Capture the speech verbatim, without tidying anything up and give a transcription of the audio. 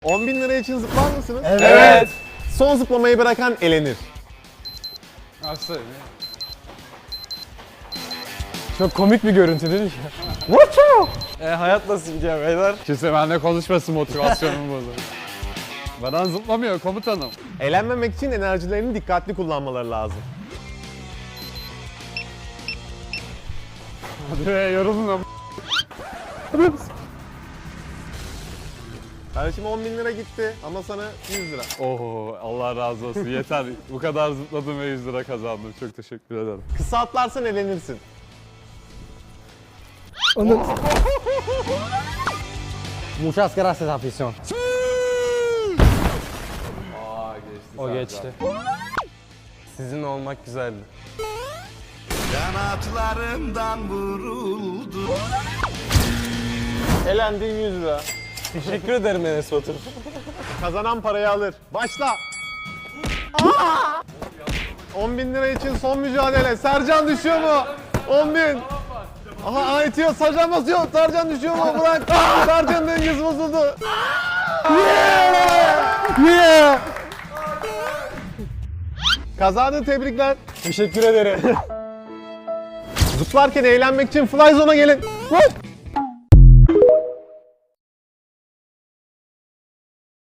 on bin lira için zıplar mısınız? Evet. Evet. Son zıplamayı bırakan elenir. Nasıl? Çok komik bir görüntü değil mi? E, hayat nasıl gidiyor beyler? Kimse benimle konuşmasın, motivasyonumu bozar. Bana zıplamıyor komutanım. Eğlenmemek için enerjilerini dikkatli kullanmaları lazım. Hadi be yoruldun ama. Kardeşim on bin lira gitti ama sana yüz lira. Oho Allah razı olsun yeter. Bu kadar zıpladım ve yüz lira kazandım. Çok teşekkür ederim. Kısa atlarsan elenirsin. Muchas gracias afición. Aa geçti. O geçti. Sizinle olmak güzeldi. Kanatlarımdan vuruldu. Elendin yüz lira. Teşekkür ederim Enes Batur. Kazanan parayı alır. Başla. Aa! on bin lira için son mücadele. Sercan düşüyor mu? on bin. Aha aha itiyor. Sercan basıyor. Sercan düşüyor mu? Bırak. Sercan'ın dengesi bozuldu. Yeah! Yeah! Kazandı, tebrikler. Teşekkür ederim. Zıplarken eğlenmek için fly zone'a gelin. Hop!